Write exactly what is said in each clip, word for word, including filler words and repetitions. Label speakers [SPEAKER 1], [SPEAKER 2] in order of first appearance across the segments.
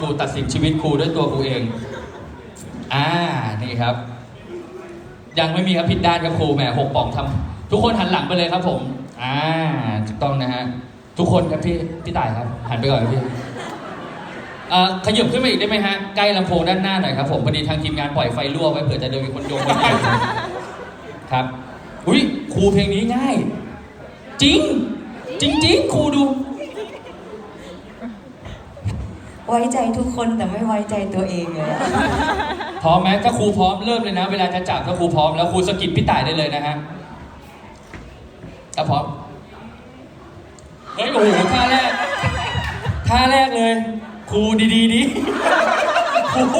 [SPEAKER 1] ครูตัดสินชีวิตครูด้วยตัวครูเองอ่านี่ครับยังไม่มีครับผิดด้านครับครูแหมหกป่องทำทุกคนหันหลังไปเลยครับผมอ่าถูกต้องนะฮะทุกคนครับพี่พี่ต่ายครับหันไปก่อนครับพี่เอ่อขยับขึ้นมาอีกได้ไหมฮะใกล้ลำโพงด้านหน้าหน่อยครับผมพอดีทางทีมงานปล่อยไฟรั่วไว้เผื่อจะเดินมีคนโยงกันอยู่ครับอุ้ยครูเพลงนี้ง่ายจริงจริงจริงครูดู
[SPEAKER 2] ไว้ใจทุกคนแต่ไม่ไว้ใจตัวเองเลยอะ
[SPEAKER 1] พร้อมไหมถ้าครูพร้อมเริ่มเลยนะเวลาจะจับถ้าครูพร้อมแล้วครูสกิปพี่ต่ายได้เลยนะฮะถ้าพร้อมเฮ้ยโอ้โหท่าแรกท่าแรกเลยครูดีๆดิครู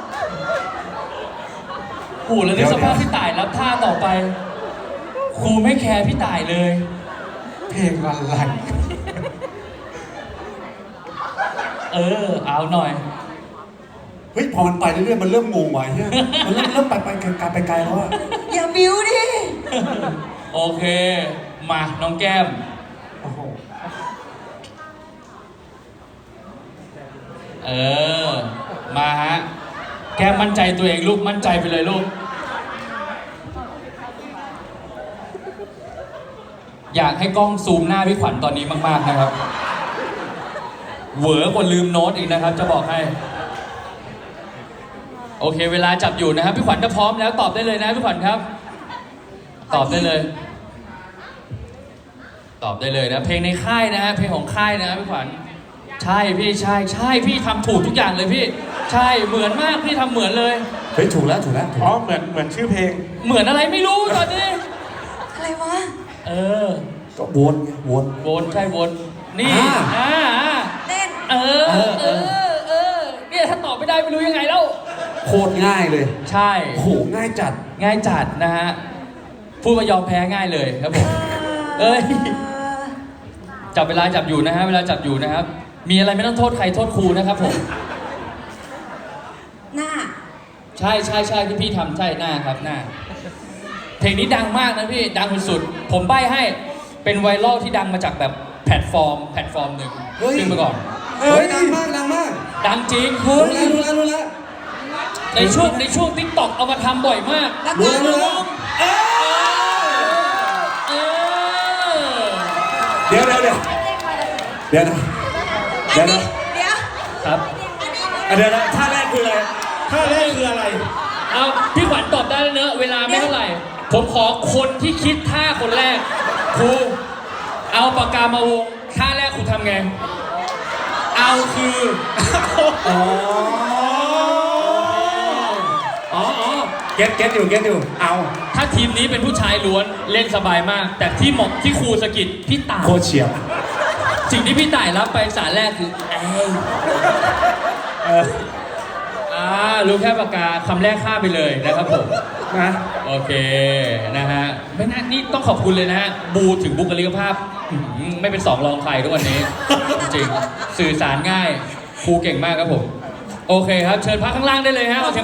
[SPEAKER 1] โอ้โหแล้วนึกสภาพพี่ต่ายแล้วท่าต่อไปครูไม่แคร์พี่ต่ายเลย
[SPEAKER 3] เพลงอะไร
[SPEAKER 1] เออเอาหน่อย
[SPEAKER 3] เฮ้ยพอมันไปเรื่อยๆมันเริ่มงงไว้เนี่ยมันเริ่มเริ่มไปไปไกลไปไกลแล้วอะ
[SPEAKER 2] อย่าบิ้วดิ
[SPEAKER 1] โอเคมาน้องแก้ม
[SPEAKER 3] โอ้โห
[SPEAKER 1] เออมาฮะแก้มมั่นใจตัวเองลูกมั่นใจไปเลยลูกอยากให้กล้องซูมหน้าพี่ขวัญตอนนี้มากๆนะครับเหวอกว่าลืมโน้ตอีกนะครับจะบอกให้โอเคเวลาจับอยู่นะครับพี่ขวัญถ้าพร้อมแล้วตอบได้เลยนะพี่ขวัญครับตอบได้เลยตอบได้เลยนะเพลงในค่ายนะฮะเพลงของค่ายนะพี่ขวัญใช่พี่ใช่ใช่พี่ทำถูกทุกอย่างเลยพี่ใช่เหมือนมากพี่ทำเหมือนเลย
[SPEAKER 3] เฮ้ยถูกแล้วถูกแล้ว
[SPEAKER 4] อ๋อเหมือนเหมือนชื่อเพลง
[SPEAKER 1] เหมือนอะไรไม่รู้ตอนนี้
[SPEAKER 2] อะไรวะ
[SPEAKER 1] เออ
[SPEAKER 3] ก็วนไงวน
[SPEAKER 1] วนใช่วนนี่อ่า
[SPEAKER 2] เต้น
[SPEAKER 1] เออเออเออเออเนี่ยถ้าตอบไม่ได้ไม่รู้ยังไงแล้ว
[SPEAKER 3] โคตรง่ายเลย
[SPEAKER 1] ใช่
[SPEAKER 3] โอ้โหง่ายจัด
[SPEAKER 1] ง่ายจัดนะฮะพูดมายอมแพ้ง่ายเลยครับผมเอ้ยจับเวลาจับอยู่นะฮะเวลาจับอยู่นะครับมีอะไรไม่ต้องโทษใครโทษครูนะครับผม
[SPEAKER 2] หน้า
[SPEAKER 1] ใช่ใช่ใช่ที่พี่ทำใช่หน้าครับหน้าเพลงนี้ดังมากนะพี่ดังสุดๆผมใบ้ให้เป็นไวรัลที่ดังมาจากแบบแพลตฟอร์มแพลตฟอร์มหนึ่งขึ้นมาก่อน
[SPEAKER 3] เฮ้ยดังมากดังมาก
[SPEAKER 1] ดังจริง
[SPEAKER 3] รู้แล้วรู้แล้วรู้แล้ว
[SPEAKER 1] ในช่วงในช่วงติ๊กต็อกเอามาทำบ่อยมาก
[SPEAKER 3] รู้แล้วรู้แล้วเดี๋ยวเดี๋ยวเดี๋ยวเดี๋ยวนะเดี๋ยวนะ
[SPEAKER 2] เดี๋ยว
[SPEAKER 1] ครับ
[SPEAKER 3] เดี๋ยวนะท่าแรกคืออะไร
[SPEAKER 4] ท่าแรกคืออะไร
[SPEAKER 1] เอาพี่ขวัญตอบได้แล้วเนอะเวลาไม่เท่าไหร่ผมขอคนที่คิดท่าคนแรกครูเอาปากกามาวงท่าแรกครูทำไงเอาคือ
[SPEAKER 3] อ๋ออ๋ออ๋อเก็ตเก็ตอยู่เก็ตอยู่เอา
[SPEAKER 1] ถ้าทีมนี้เป็นผู้ชายล้วนเล่นสบายมากแต่ที่หมกที่ครูสกิดพี่ต่าย
[SPEAKER 3] โคเฉียบ
[SPEAKER 1] สิ่งที่พี่ต่ายรับไปสารแรกคือเอ้ยเอออ่ารู้แค่ปากกาคำแรกข้ามไปเลยนะครับผมนะโอเคนะฮะไม่น่านี่ต้องขอบคุณเลยนะฮะบูถึงบุคลิกภาพไม่เป็นสองรองใครทุกวันนี้จริงสื่อสารง่ายครูเก่งมากครับผมโอเคครับเชิญพักข้างล่างได้เลยฮะ